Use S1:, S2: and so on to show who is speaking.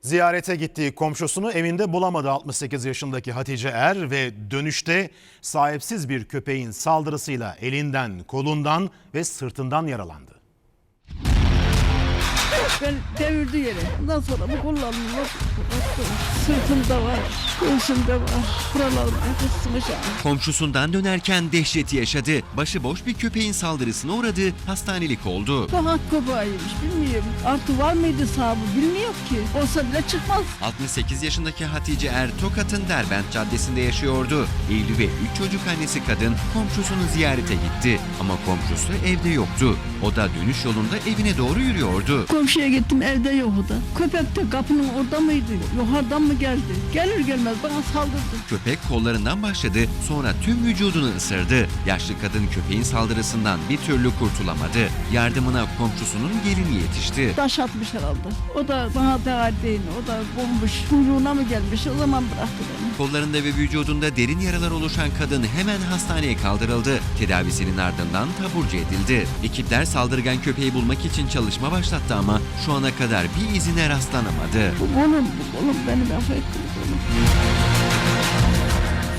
S1: Ziyarete gittiği komşusunu evinde bulamadı 68 yaşındaki Hatice Er ve dönüşte sahipsiz bir köpeğin saldırısıyla elinden, kolundan ve sırtından yaralandı.
S2: Ben devirdi yere. Ondan sonra bu kollarımı sırtımda var, göğsümde var. Buralarım kısmış yani.
S3: Komşusundan dönerken dehşeti yaşadı. Başıboş bir köpeğin saldırısına uğradı, hastanelik oldu.
S2: Sokak köpeğiymiş bilmiyorum. Artı var mıydı sahibi bilmiyorum ki. Olsa bile çıkmaz.
S3: 68 yaşındaki Hatice Er, Tokat'ın Derbent Caddesi'nde yaşıyordu. Evli ve 3 çocuk annesi kadın komşusunu ziyarete gitti. Ama komşusu evde yoktu. O da dönüş yolunda evine doğru yürüyordu.
S2: Komşuya gittim evde yok o da. Köpek de kapının orada mıydı? Yukarıdan mı geldi? Gelir gelmez bana saldırdı.
S3: Köpek kollarından başladı, sonra tüm vücudunu ısırdı. Yaşlı kadın köpeğin saldırısından bir türlü kurtulamadı. Yardımına komşusunun gelini yetişti.
S2: Taş atmış herhalde. O da bana değer değil. O da bulmuş. Kuyruğuna mı gelmiş? O zaman bıraktı beni.
S3: Kollarında ve vücudunda derin yaralar oluşan kadın hemen hastaneye kaldırıldı. Tedavisinin ardından taburcu edildi. Ekipler saldırgan köpeği bulmak için çalışma başlattı ama şu ana kadar bir izine rastlanamadı.
S2: Bu oğlum benim affettim.